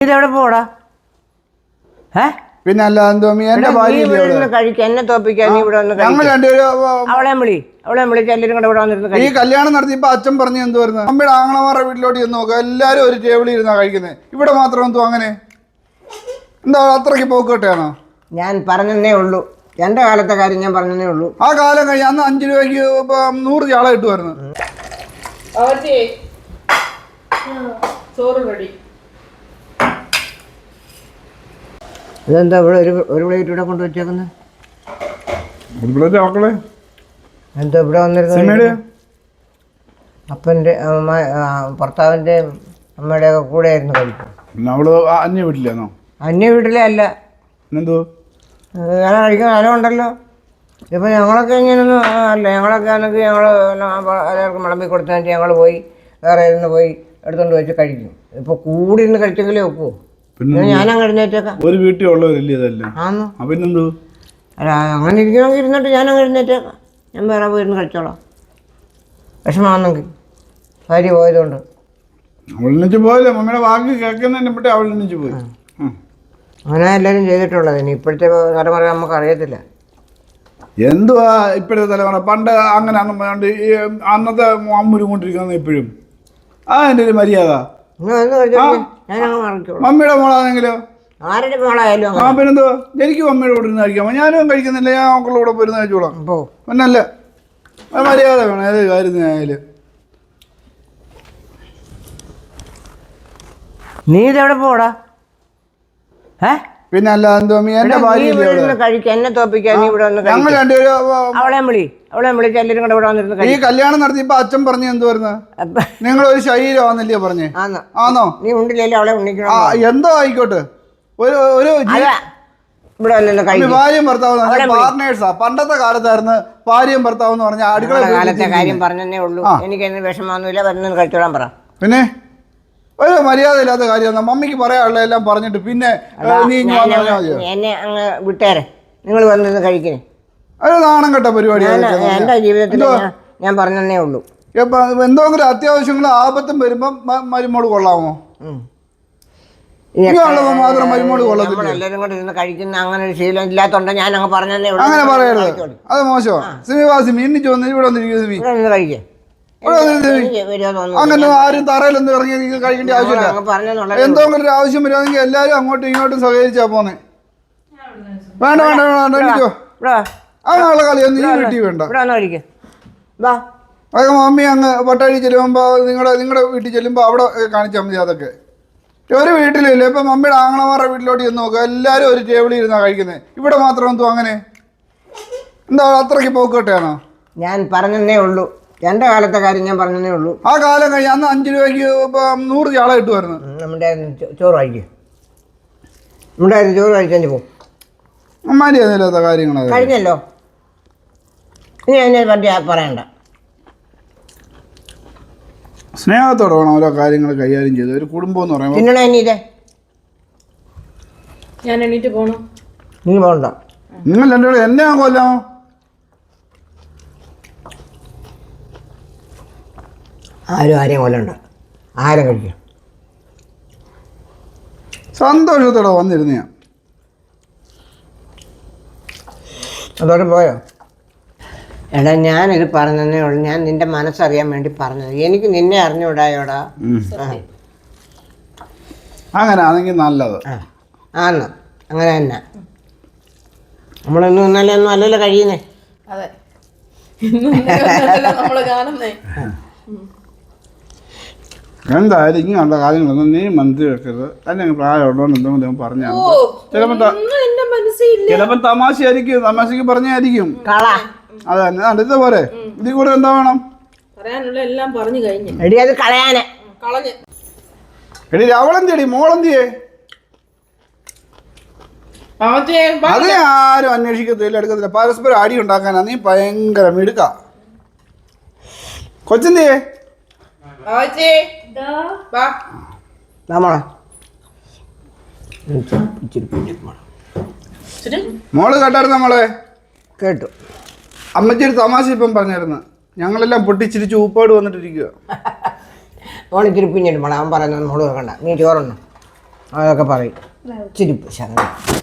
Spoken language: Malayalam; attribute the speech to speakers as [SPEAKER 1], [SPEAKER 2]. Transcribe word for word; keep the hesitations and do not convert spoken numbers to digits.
[SPEAKER 1] ഇതെവിടെ പോടാ? ഏ
[SPEAKER 2] പിന്നെ അല്ല എന്റെ
[SPEAKER 1] കഴിക്കാൻ എന്നെ തോപ്പിക്കാൻ നീ ഇവിടെ വന്ന് അവളെ വിളി അവളെ വിളിച്ച് എല്ലാവരും കൂടെ ഇവിടെ വന്നിരുന്നു.
[SPEAKER 2] ഈ കല്യാണം നടത്തിയപ്പോ അച്ഛൻ പറഞ്ഞു എന്ത് വരുന്നത് അമ്മയുടെ ആങ്ങളമാരുടെ വീട്ടിലോട്ട് ചെന്ന് നോക്കുക എല്ലാരും ഒരു ടേബിളിൽ ഇരുന്നാ കഴിക്കുന്നത്. ഇവിടെ മാത്രം എന്തോ അങ്ങനെ എന്താ അത്രയ്ക്ക് പോക്കോട്ടെയാണോ?
[SPEAKER 1] ഞാൻ പറഞ്ഞതേ ഉള്ളൂ, എന്റെ കാലത്തെ കാര്യം ഞാൻ പറഞ്ഞതേ ഉള്ളൂ.
[SPEAKER 2] ആ കാലം കഴിഞ്ഞ് അന്ന് അഞ്ചു രൂപയ്ക്ക് നൂറ് ചാള കിട്ടുമായിരുന്നു.
[SPEAKER 1] ഇതെന്താ ഇവിടെ ഒരു ഒരു പ്ലേറ്റ് ഇവിടെ കൊണ്ട് വെച്ചേക്കുന്നത്? എന്താ ഇവിടെ വന്നിരുന്നത്? അപ്പൻ്റെ ഭർത്താവിൻ്റെ അമ്മയുടെ ഒക്കെ കൂടെ ആയിരുന്നു കഴിക്കും.
[SPEAKER 2] അന്യ വീട്ടിലാണോ?
[SPEAKER 1] അന്യ വീട്ടിലേ അല്ല,
[SPEAKER 2] എന്തോ
[SPEAKER 1] ഞാൻ കഴിക്കുന്ന സ്ഥലമുണ്ടല്ലോ. ഇപ്പം ഞങ്ങളൊക്കെ ഇങ്ങനെയൊന്നും അല്ല, ഞങ്ങളൊക്കെ ആണെങ്കിൽ ഞങ്ങൾ എല്ലാവർക്കും വിളമ്പി കൊടുത്താൽ ഞങ്ങൾ പോയി വേറെ ഇരുന്ന് പോയി എടുത്തുകൊണ്ട് വെച്ച് കഴിക്കും. ഇപ്പോൾ കൂടി ഇരുന്ന് കഴിച്ചെങ്കിലേ ഒക്കുമോ? ഞാനങ്ങ് എഴുന്നേറ്റേക്കാം.
[SPEAKER 2] ഒരു വീട്ടിൽ ഉള്ളവരല്ലേ ആണോ? പിന്നെന്തോ
[SPEAKER 1] അല്ല, അങ്ങനെ ഇരിക്കണമെങ്കിൽ ഇരുന്നിട്ട് ഞാനങ്ങ് എഴുന്നേറ്റേക്കാം. ഞാൻ വേറെ പോയിരുന്ന് കഴിച്ചോളാം. വിഷമാണെങ്കിൽ ഭാര്യ പോയതുകൊണ്ട്
[SPEAKER 2] അവളിച്ച് പോയില്ലേ മമ്മിയുടെ വാക്ക് കേൾക്കുന്നതിനെ പറ്റി അവളിച്ച് പോയി.
[SPEAKER 1] അങ്ങനെ എല്ലാവരും ചെയ്തിട്ടുള്ളത്. ഇനി ഇപ്പോഴത്തെ തലമുറ നമുക്ക് അറിയത്തില്ല.
[SPEAKER 2] എന്തുവാ ഇപ്പോഴത്തെ തലമുറ? പണ്ട് അങ്ങനെ അന്നത്തെ അമ്മൂരും കൊണ്ടിരിക്കുന്ന ഇപ്പോഴും ആ എൻ്റെ ഒരു മര്യാദ. മമ്മിയുടെ മോളാണെങ്കിലോ
[SPEAKER 1] ആരുടെ മോളായാലും
[SPEAKER 2] ആ പിന്നെന്തോ എനിക്ക് മമ്മിയുടെ കൂടെ ഇരുന്ന് കഴിക്കാം. ഞാനും കഴിക്കുന്നില്ല, ഞാൻ മക്കളുടെ കൂടെ പോയിരുന്ന് കഴിച്ചോളാം. പിന്നല്ല മര്യാദ വേണം ഏത് കാര്യത്തിനായാലും.
[SPEAKER 1] നീ ഇതെവിടെ പോടാ? ഏ
[SPEAKER 2] പിന്നെ അല്ല എന്തോ എന്റെ
[SPEAKER 1] കഴിക്കാൻ എന്നെ തോപ്പിക്കാൻ നീ ഇവിടെ വന്ന്
[SPEAKER 2] ഞങ്ങൾ രണ്ടുപേരും
[SPEAKER 1] അവളെ വിളി അവളെ വിളിച്ച് എല്ലാവരും കൂടെ ഇവിടെ വന്നിരുന്നു.
[SPEAKER 2] ഈ കല്യാണം നടത്തിയപ്പോ അച്ഛൻ പറഞ്ഞു എന്ത് വരുന്നത് നിങ്ങളൊരു ശരീരമാണെന്നല്ലേ പറഞ്ഞേ? ആണോ?
[SPEAKER 1] നീ ഉണ്ടില്ലല്ലോ അവളെ ഉണ്ണിക്കണം.
[SPEAKER 2] എന്തോ ആയിക്കോട്ടെ, ഒരു ഒരു ഭാര്യയും ഭർത്താവ് പാർട്ട്നേഴ്സാ. പണ്ടത്തെ കാലത്തായിരുന്നു ഭാര്യയും ഭർത്താവ് എന്ന് പറഞ്ഞാൽ അടുക്കള
[SPEAKER 1] കാലത്തെ കാര്യം പറഞ്ഞതേ ഉള്ളൂ. എനിക്ക് എന്ന് വിഷമമൊന്നുമില്ല, വരുന്നത് കഴിച്ചോളാൻ പറ.
[SPEAKER 2] പിന്നെ ഒരു മര്യാദ ഇല്ലാത്ത കാര്യമാണ്. മമ്മിക്ക് പറയാനുള്ള എല്ലാം പറഞ്ഞിട്ട് പിന്നെ
[SPEAKER 1] എന്നെ അങ്ങ് വിട്ടേരെ, നിങ്ങൾ വന്നിരുന്ന് കഴിക്കണേ.
[SPEAKER 2] അത് നാണം കെട്ട പരിപാടിയാണ്.
[SPEAKER 1] എൻ്റെ ജീവിതത്തിൽ ഞാൻ പറഞ്ഞതേ ഉള്ളൂ.
[SPEAKER 2] എന്തെങ്കിലും അത്യാവശ്യങ്ങൾ ആപത്തും വരുമ്പോ മരുമോള് കൊള്ളാമോ? മാത്രം മരുമോള് കൊള്ളത്തില്ല.
[SPEAKER 1] എല്ലാവരും കൂടെ ഇരുന്ന് കഴിക്കുന്ന അങ്ങനെ ഒരു ശീലം ഇല്ലാത്തോണ്ട് ഞാൻ അങ്ങ് പറഞ്ഞതേ ഉള്ളൂ.
[SPEAKER 2] അങ്ങനെ പറയരുത്, അത് മോശമാണ്. സിമിവാസി എണ്ണിച്ച് വന്ന് ഇവിടെ വന്നിരിക്കുന്നത്
[SPEAKER 1] കഴിക്കേ.
[SPEAKER 2] അങ്ങനെ ആരും തറയിലൊന്നും ഇറങ്ങി കഴിക്കേണ്ട ആവശ്യമില്ല. എന്തെങ്കിലും ഒരു ആവശ്യം വരുവാണെങ്കിൽ എല്ലാരും അങ്ങോട്ടും ഇങ്ങോട്ടും സഹകരിച്ചാ പോന്നെ. വേണ്ട വേണ്ട വേണ്ട എനിക്കോ അങ്ങനെയുള്ള കളിയൊന്നും ഈ വീട്ടിൽ വേണ്ട. അതൊക്കെ മമ്മി അങ്ങ് പട്ടാഴി ചെല്ലുമ്പോ നിങ്ങളുടെ നിങ്ങളുടെ വീട്ടിൽ ചെല്ലുമ്പോ അവിടെ കാണിച്ചാൽ മതി. അതൊക്കെ ഒരു വീട്ടിലില്ല. ഇപ്പൊ മമ്മിയുടെ ആങ്ങളമാരുടെ വീട്ടിലോട്ട് ചെന്ന് നോക്കുക, എല്ലാരും ഒരു ടേബിളിൽ ഇരുന്നാ കഴിക്കുന്നത്. ഇവിടെ മാത്രം എന്തോ അങ്ങനെ എന്താ അത്രയ്ക്ക് പോക്കോട്ടെയാണോ?
[SPEAKER 1] ഞാൻ പറഞ്ഞതേ ഉള്ളൂ, എന്റെ കാലത്തെ കാര്യം ഞാൻ പറഞ്ഞതേ ഉള്ളൂ.
[SPEAKER 2] ആ കാലം കഴിഞ്ഞ് അന്ന് അഞ്ചു രൂപയ്ക്ക് നൂറ് ചാള കിട്ടുമായിരുന്നു.
[SPEAKER 1] നമ്മുടെ ചോറ് കഴിക്കും, നമ്മുടെ ചോറ് കഴിച്ചു പോകും.
[SPEAKER 2] മര്യാദയില്ലാത്ത കാര്യങ്ങൾ
[SPEAKER 1] കഴിഞ്ഞല്ലോ, ഇനി അതിനെ പറ്റി പറയണ്ട.
[SPEAKER 2] സ്നേഹത്തോടെ വേണം ഓരോ കാര്യങ്ങൾ കൈകാര്യം ചെയ്ത്. ഒരു കുടുംബം എന്ന് പറയുമ്പോൾ
[SPEAKER 1] പിന്നണ എണീറ്റേ
[SPEAKER 3] ഞാൻ എണീറ്റ് പോണോ?
[SPEAKER 1] നീ പോകണ്ട.
[SPEAKER 2] നിങ്ങൾ രണ്ടു എന്നെ കൊല്ലാമോ?
[SPEAKER 1] ആരും ആരെയും കൊല്ലണ്ട, ആരും കഴിക്കും.
[SPEAKER 2] സന്തോഷത്തോടെ വന്നിരുന്ന ഞാൻ
[SPEAKER 1] അതോടെ പോയോ? എടാ ഞാനിത് പറഞ്ഞതേ ഉള്ളൂ, ഞാൻ നിന്റെ മനസ്സറിയാൻ വേണ്ടി പറഞ്ഞത്. എനിക്ക് നിന്നെ അറിഞ്ഞുകൂടായോടാ.
[SPEAKER 2] അങ്ങനെ ആണെങ്കിൽ നല്ലത്.
[SPEAKER 1] ആന്ന് അങ്ങനെ തന്നെ. നമ്മളൊന്നും ഇന്നലെ ഒന്നും അല്ലല്ലോ കഴിയുന്നേ.
[SPEAKER 3] അതെ, നമ്മള് കാണുന്നേ.
[SPEAKER 2] എന്തായാലും ഇങ്ങനെയുള്ള കാര്യങ്ങളൊന്നും നീ മനസ്സിൽ വെക്കരുത്. അല്ലെങ്കിൽ പ്രായമുള്ളതുകൊണ്ട് എന്തെങ്കിലും പറഞ്ഞാൽ ചിലപ്പോ ചിലപ്പോ തമാശയായിരിക്കും, തമാശക്ക് പറഞ്ഞായിരിക്കും. അതെ അടുത്ത പോരെ, ഇതിൽ കൂടെ എന്താ വേണം?
[SPEAKER 3] പറയാനുള്ള എല്ലാം പറഞ്ഞു കഴിഞ്ഞു.
[SPEAKER 1] എടി അത് കളയാനെ
[SPEAKER 3] കളഞ്ഞ്
[SPEAKER 2] എടി അവളെന്തിയടി മോളെന്തിയേ? അത് ആരും അന്വേഷിക്കത്തില്ല, എടുക്കത്തില്ല. പരസ്പരം അടി ഉണ്ടാക്കാനാ നീ ഭയങ്കര മിടുക്ക. കൊച്ചെന്തിയേ? മോള് കേട്ടായിരുന്നു നമ്മളെ?
[SPEAKER 1] കേട്ടു.
[SPEAKER 2] അമ്മച്ചൊരു തമാശ ഇപ്പം പറഞ്ഞായിരുന്നു. ഞങ്ങളെല്ലാം പൊട്ടിച്ചിരിച്ച് ഉപ്പാട് വന്നിട്ടിരിക്കുക.
[SPEAKER 1] മോളിച്ചിരി പിഞ്ഞിട്ട് മോളെ അവൻ പറയുന്നത് മോള് കേൾക്കണ്ട. നീ ചോറുണ്ടോ? അതൊക്കെ പറയും ഇച്ചിരി ശകലം